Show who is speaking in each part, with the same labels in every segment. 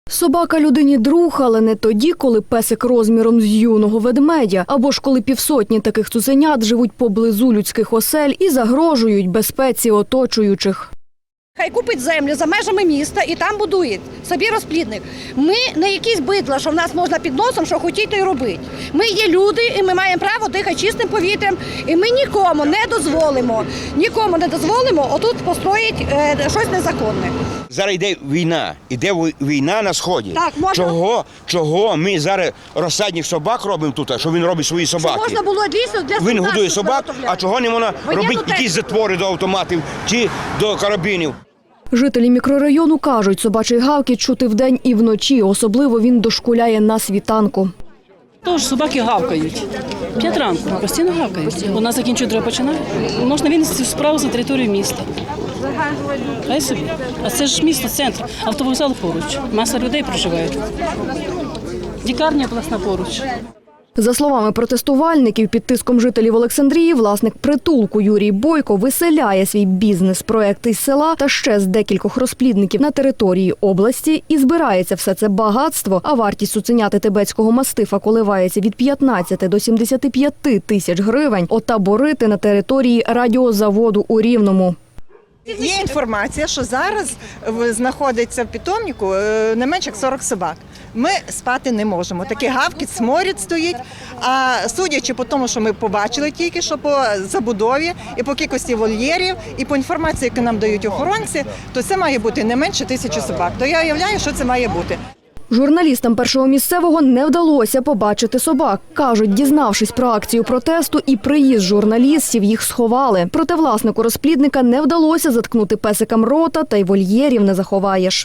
Speaker 1: Собака людині друг, але не тоді, коли песик розміром з юного ведмедя, або ж коли півсотні таких цуценят живуть поблизу людських осель і загрожують безпеці оточуючих.
Speaker 2: Хай купить землю за межами міста і там будує собі розплідник. Ми не якісь бидла, що в нас можна під носом, що хотіть, то й робити. Ми є люди і ми маємо право дихати чистим повітрям. І ми нікому не дозволимо отут построїти щось незаконне.
Speaker 3: Зараз йде війна на Сході.
Speaker 2: Так, можна...
Speaker 3: Чого ми зараз розсадник собак робимо тут, що він робить свої собаки?
Speaker 2: Що можна було дійсно для
Speaker 3: Він годує собак, а чого не можна робити якісь затвори до автоматів чи до карабінів?
Speaker 1: Жителі мікрорайону кажуть, собачий гавкіт чути вдень і вночі, особливо він дошкуляє на світанку.
Speaker 4: Тож собаки гавкають. 5 ранку, постійно гавкають. Вона закінчує, треба починати. Можна винести справу за територію міста. Хай собі. А це ж місто, центр, автовокзал поруч. Маса людей проживає. Лікарня обласна поруч.
Speaker 1: За словами протестувальників, під тиском жителів Олександрії, власник притулку Юрій Бойко виселяє свій бізнес-проект із села та ще з декількох розплідників на території області і збирається все це багатство, а вартість цуценяти тибетського мастифа коливається від 15 до 75 тисяч гривень, отаборити на території радіозаводу у Рівному.
Speaker 5: Є інформація, що зараз знаходиться в питомнику не менше як 40 собак. Ми спати не можемо. Такий гавкіт, сморід стоїть. А судячи по тому, що ми побачили тільки, що по забудові і по кількості вольєрів, і по інформації, яку нам дають охоронці, то це має бути не менше 1000 собак. То я уявляю, що це має бути.
Speaker 1: Журналістам Першого місцевого не вдалося побачити собак. Кажуть, дізнавшись про акцію протесту і приїзд журналістів, їх сховали. Проте власнику розплідника не вдалося заткнути песикам рота, та й вольєрів не заховаєш.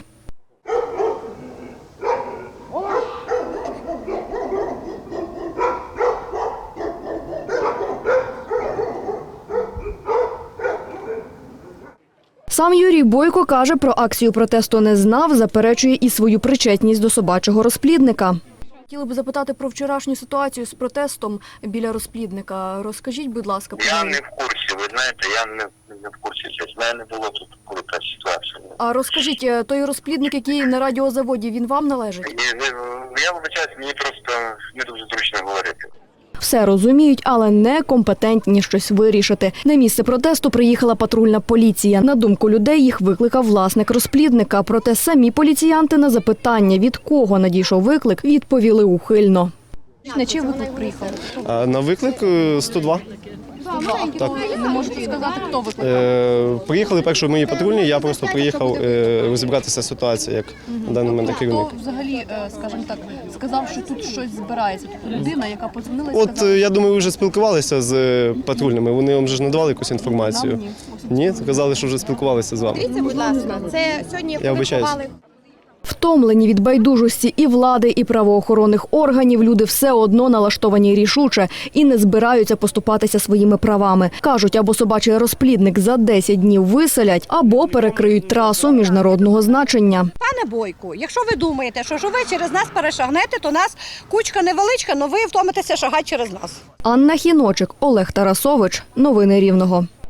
Speaker 1: Сам Юрій Бойко каже, про акцію протесту не знав, заперечує і свою причетність до собачого розплідника. Хотіли б запитати про вчорашню ситуацію з протестом біля розплідника. Розкажіть, будь ласка, про
Speaker 6: Я не в курсі, ви знаєте, я не в курсі. В мене не було тут, коли та ситуація.
Speaker 1: А розкажіть, той розплідник, який на радіозаводі, він вам належить?
Speaker 6: Я вибачаюсь, мені просто не дуже зручно говорити.
Speaker 1: Все розуміють, але не компетентні щось вирішити. На місце протесту приїхала патрульна поліція. На думку людей, їх викликав власник розплідника. Проте самі поліціянти на запитання, від кого надійшов виклик, відповіли ухильно. На чий виклик приїхав?
Speaker 7: На виклик 102. Так.
Speaker 1: Не можете сказати, хто викликав?
Speaker 7: Приїхали перші мої патрульні, я просто приїхав розібратися з ситуацією, як на даний момент керівник.
Speaker 8: Хто взагалі, скажімо так, сказав, що тут щось збирається? Тобто людина, яка подзвонила і сказала?
Speaker 7: Я думаю, ви вже спілкувалися з патрульними, вони вам вже ж надавали якусь інформацію? Ні, сказали, що вже спілкувалися з вами.
Speaker 9: Дивіться, будь ласка, це сьогодні
Speaker 7: вибачаюсь.
Speaker 1: Втомлені від байдужості і влади, і правоохоронних органів, люди все одно налаштовані рішуче і не збираються поступатися своїми правами. Кажуть, або собачий розплідник за 10 днів виселять, або перекриють трасу міжнародного значення.
Speaker 2: Пане Бойку, якщо ви думаєте, що ви через нас перешагнете, то нас кучка невеличка, але ви втомитеся шагати через нас.
Speaker 1: Анна Хіночик, Олег Тарасович. Новини Рівного.